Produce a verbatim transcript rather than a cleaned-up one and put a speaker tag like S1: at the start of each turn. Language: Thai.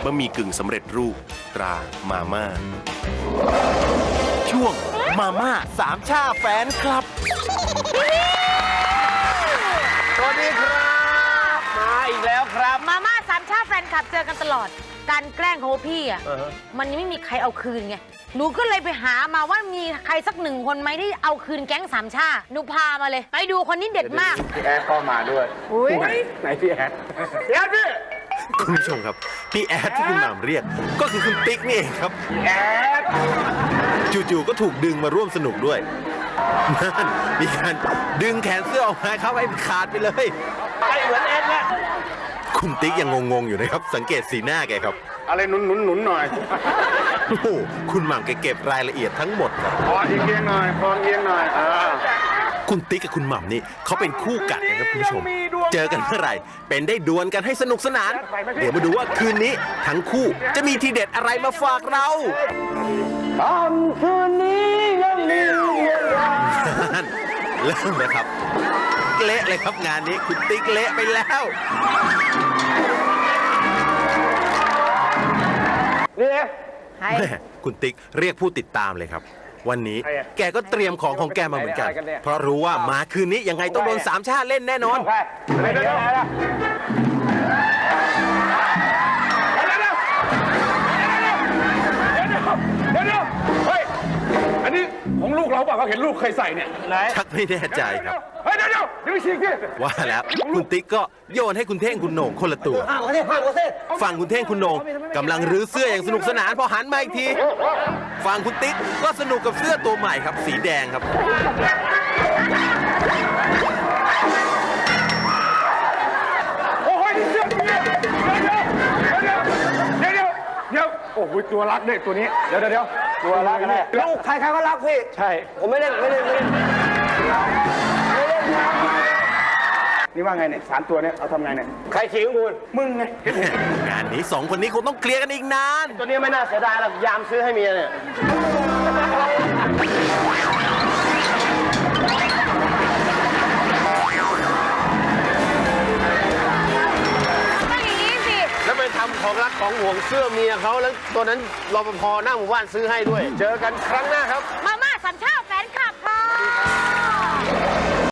S1: ะหมี่กึ่งสำเร็จรูปตรามาม่าช่วงมาม่าสามชาแฟนคลับ
S2: สวัสดีครับมาอีกแล้วครับ
S3: มาม่าสามชาติแฟนคลับเจอกันตลอดการแกล้งของพี่อ่ะ
S2: อ่าฮะ
S3: มันยังไม่มีใครเอาคืนไงหนูก็เลยไปหามาว่ามีใครสักหนึ่งคนไหมที่เอาคืนแก๊งสามชาหนูพามาเลย ไปดูคนนี้เด็ดมาก
S2: พี่แอดก็มาด้วย
S3: อุ้ย
S2: ไหนพี่แอดพี่แอดพี่
S1: คุณผู้ชมครับพี่แอดที่คุณหม่ำเรียกก็คือคุณติ๊กนี่เองครับ
S2: พี่แอด
S1: จู่ๆก็ถูกดึงมาร่วมสนุกด้วยนั่นมีการดึงแขนเสื้อออกมาครับให้ขาดไปเลย
S2: ไปเหมือนแอดเนี่ย
S1: คุณติ๊กยังงงๆอยู่นะครับสังเกตสีหน้าแกครับ
S2: อะไรหนุนหนุนหนุนหน่อย
S1: โอ้โหคุณหม่ำแกเก็บรายละเอียดทั้งหมดครับ
S2: พอเอียงหน่อยพอเอียงหน่อยอ่า
S1: คุณติ๊กกับคุณหม่ำนี่เขาเป็นคู่กัดนะครับคุณผู้ชม เจอกันเมื่อไหร่เป็นได้ดวลกันให้สนุกสนาน เดี๋ยวมาดูว่าคืนนี้ทั้งคู่จะมีทีเด็ดอะไรมาฝากเรา
S2: ตอนคืนนี้ยังมีเวลา
S1: นั่นเริ่มเลยครับเละเลยครับงานนี้คุณติ๊กเละไปแล้ว
S2: นี่ไง
S3: ใคร
S1: แม่คุณติ๊กเรียกผู้ติดตามเลยครับ วันนี้แกก็เตรียมของของแกมาเหมือนกัน เพราะรู้ว่ามาคืนนี้ยังไงต้องโดนสามชาติเล่นแน่นอน
S2: ไปไปเดี๋ยวเดี๋ยวเดี๋ยวเดี๋ยวเดี๋ยวเฮ้ยอันนี้ของลูกเราเปล่าเขาเห็นลูกเคยใส่เนี่ยไหน
S1: ชักไม่แน่ใจครับ
S2: เฮ้ยเดี๋ยวเดี๋ยวเดี๋ยวไปฉีกดิ
S1: ว่าแล้วคุณติ๊กก็โยนให้คุณเท่งคุณโหน่งคนละตัว
S2: ห้ามเขาสิห้ามเขาสิ
S1: ฝั่งคุณเท่งคุณโหน่งกำลังรื้อเสื้ออย่างสนุกสนานพอหันมาอีกทีฝั่งคุณติ๊กก็สนุกกับเสื้อตัวใหม่ครับ สีแดงครับ
S2: โอ้ยเดี๋ยวเดี๋ยวเดี๋ยวเดี๋ยวเดี๋ยวเดี๋ยวเดี๋ยวโอ้โหตัวรักเนี่ยตัวนี้เดี๋ยวเดี๋ยวเดี๋ยวตัวรักกันแน่ลูกใครใครก็รักพี่ใช่ผมไม่เล่นไม่เล่นไม่เล่นไม่เล่นนี่ว่าไงเนี่ยสามตัวเนี่ยเอาทำไงเนี่ยใครฉีกของคุณมึงไง
S1: งานนี้สองคนนี้คงต้องเคลียร์กันอีกนาน
S2: ตัวนี้ไม่น่าเสียดายหรอกยามซื้อให้เมียเนี่ย
S3: ก็อย่างนี้สิ
S2: แล้วไปทำของรักของห่วงเสื้อเมียเขาแล้วตัวนั้นรปภหน้าหมู่บ้านซื้อให้ด้วย เจอกันครั้งหน้าครับ
S3: มาม่า